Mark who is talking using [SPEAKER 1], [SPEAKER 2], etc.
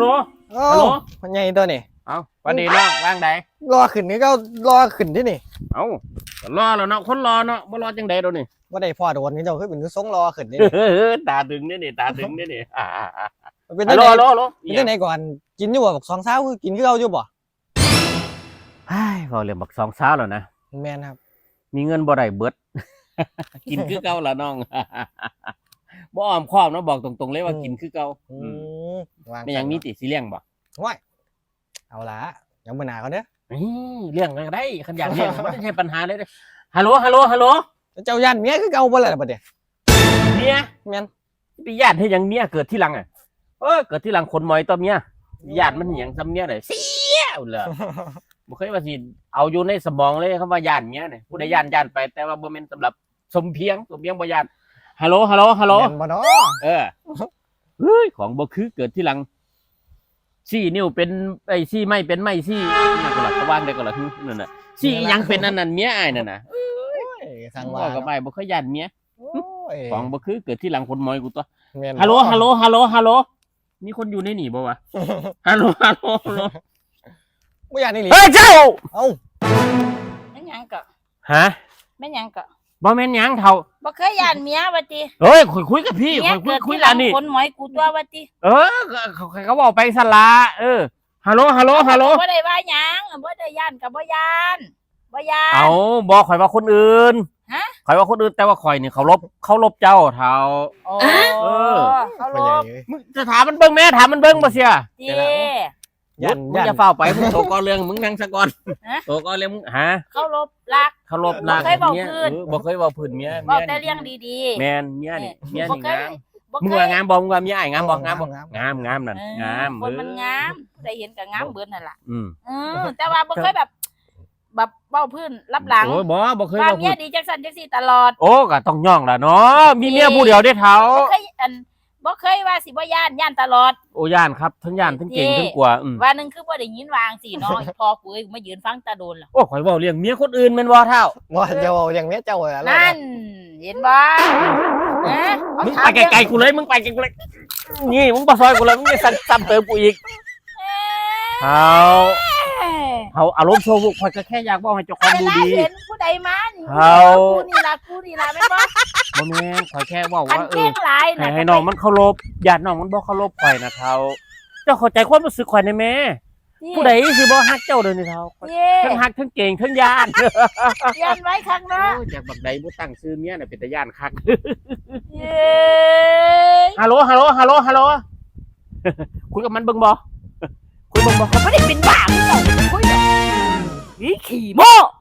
[SPEAKER 1] โหลฮัลโหล
[SPEAKER 2] มันใหญ่ตัวนี่
[SPEAKER 1] เอาวันนี้น้องว่างใด
[SPEAKER 2] รอขึ้นนี่ก็รอขึ้นที่นี่
[SPEAKER 1] เอารอแล้วเนาะคนรอเนาะบ่รอจังใดเดี๋ยวนี้
[SPEAKER 2] ว่าได้พ่อโดนนี่เจ้าคือเป็นทรงรอขึ้นนี่
[SPEAKER 1] ตาดึงนี่ตาดึงนี่
[SPEAKER 2] เป็น
[SPEAKER 1] ฮัลโหลฮัลโหลฮัลโหล
[SPEAKER 2] เป็นไหนก่อนกินอยู่บ่บัก2 เช้าคือกินคือเอาอยู่บ่
[SPEAKER 1] เฮ้ยพอเรื่องบัก2 เช้าแล้วนะ
[SPEAKER 2] แม่นครับ
[SPEAKER 1] มีเงินบ่ได้เบิดกินคือเก่าล่ะน้องบ่อ้อมค้อมเนาะบอกตรงๆเลยว่ากินคือเก่าไม่ยังมีติสิเลี้ยงบ่
[SPEAKER 2] ว้ายเอาล่ะยังบ่หนาเขาเด้อ
[SPEAKER 1] เลี้ยงก็ได้คันอยากเลี้ยงบ่ได้ใช่ปัญหาเลยฮัลโหลฮัลโหลฮัลโหล
[SPEAKER 2] เจ้าย่านเมียคือเก่าบ่ล่ะบัดนี้
[SPEAKER 1] เมีย
[SPEAKER 2] แม่น
[SPEAKER 1] ไปญาติให้ยังเมียเกิดที่หลังอ่ะเกิดที่หลังคนมอยตัวเมียญาติมันหยังซ้ำเมียได้เสียเลยบ่เคยว่าสิเอาอยู่ในสมองเลยคำว่าญาติเมียเนี่ยผู้ใดญาติไปแต่ว่าบ่แม่นสำหรับสมเพียงบ่ญาติฮัลโหลฮัลโหลฮัลโหล
[SPEAKER 2] บ่เนาะ
[SPEAKER 1] เฮ้ยของบ่คือเกิดที่หลังซี่นิ้วเป็นไอ้ซี่ไม่เป็นไม่ซี่นั่นก็ล่ะก็วางได้ก็ล่ะนั่นน่ะซี่ยังเป็นนั่นเมียอ้ายนั่นน่ะ
[SPEAKER 2] ทางว่า
[SPEAKER 1] ก็ไปบ่เคยญาติเมียของบ่คือเกิดที่หลังคนมอยกูตัวฮัลโหลมีคนอยู่ในนี่บ่วะฮัลโหล
[SPEAKER 2] บ่ย่านนี่หลิ
[SPEAKER 1] เฮ้ยเจ้า
[SPEAKER 2] เอ้า
[SPEAKER 3] แม่นหยังก็
[SPEAKER 1] ฮะ
[SPEAKER 3] แม่นหยังก็
[SPEAKER 1] บ่แม่นหยังเฒ่า
[SPEAKER 3] บ่เคยย่านเมียว่าติ
[SPEAKER 1] เฮ้ยคุยกับพี่คุยแล้วนี่
[SPEAKER 3] คนหมอยกูตัวว่าติ
[SPEAKER 1] เขาบอกไปสละฮัลโหล
[SPEAKER 3] บ่ได้ว่าหยังบ่ได้ย่านก็บ่ย่าน
[SPEAKER 1] เอาบ่ข่อยว่าคนอื่น
[SPEAKER 3] ฮะ
[SPEAKER 1] ข่อยว่าคนอื่นแต่ว่าข่อยนี่เขาลบเจ้าเฒ่า
[SPEAKER 3] เขาลบ
[SPEAKER 1] มึงจะถามมันเบิ่งแม่ถามมันเบิ่งบ่เสีย
[SPEAKER 3] ติ
[SPEAKER 1] มึงจะเฝ้าไปมึงโตก่อนเรื่องมึงนั่งซะก่อนโตก่อนเรื่องมึงฮะ
[SPEAKER 3] เขาลบรัก
[SPEAKER 1] บ่
[SPEAKER 3] เคยเว้าพื้น
[SPEAKER 1] บ่เคยเว้าพื้นเมีย
[SPEAKER 3] บอกแต่เรื่องดี
[SPEAKER 1] ๆแม่นเมียนี่งามมึงว่างามบ่มึงว่าเมียอ้ายงามบ่งามนั่นงาม
[SPEAKER 3] คนมันงามผู้ใดเห็นก็งามเบิดนั่นล่ะ
[SPEAKER 1] อือ
[SPEAKER 3] แต่ว่าบ่เคยแบบเว้าพื้นรับหลัง
[SPEAKER 1] โอ้บ่เคยเว้าพื้น
[SPEAKER 3] เมียดีจังซั่นจังซี่ตลอด
[SPEAKER 1] โอ้ก็ต้องย่องล่ะเนาะมีเมียผู้เดียวได้เฒ่า
[SPEAKER 3] บ่เคยว่าสิบ่ย่านตลอด
[SPEAKER 1] โอ้ย่านครับทั้งย่านทั้งเก่งทั้งกลัว
[SPEAKER 3] ว่านึงคือบ่ได้ยินวางสิเนาะพอกูมายืนฟังตาโดนล่ะ
[SPEAKER 1] โอ้ข่อยเว้าเรื่องเมียคนอื่นแม่นบ่เฒ่า
[SPEAKER 2] บ่จะเว้าเรื่องเมียเจ้าล่ะ
[SPEAKER 3] นั่นเห็นบ่
[SPEAKER 1] มึงไปไกลๆกูเลยมึงไปไกลๆเลยนี่มึงบ่ซอยกูเลยมึงจะซ้ำเติมกูอีกเอาอารมณ์โชว์ข่อยก็แค่อยากบอกให้เจ้าของดูดี
[SPEAKER 3] เห็นผู้ใดมานี่กูนี่ล่ะแม่นบ่
[SPEAKER 1] บ่แม่นข่อยแค่ว่าให้น้องมันเคารพญาติน้องมันบ่เคารพข่อยนะเฒ่าเจ้าเข้าใจความรู้สึกข่อยได้แม่ผู้ใดสิบ่ฮักเจ้าเด้อนี่เฒ่าทั้งฮักทั้งเก่งทั้งย่าน
[SPEAKER 3] ไว้ข้างหน้า
[SPEAKER 1] จากบักใดบ่ตั้งชื่อเมียน่ะเป็นตาย่านคัก
[SPEAKER 3] เย้
[SPEAKER 1] ฮัลโหลคุยกับมันเบิ่งบ่
[SPEAKER 3] เขาไม่ได้เป็นบ้าคุยแบบขี้โม้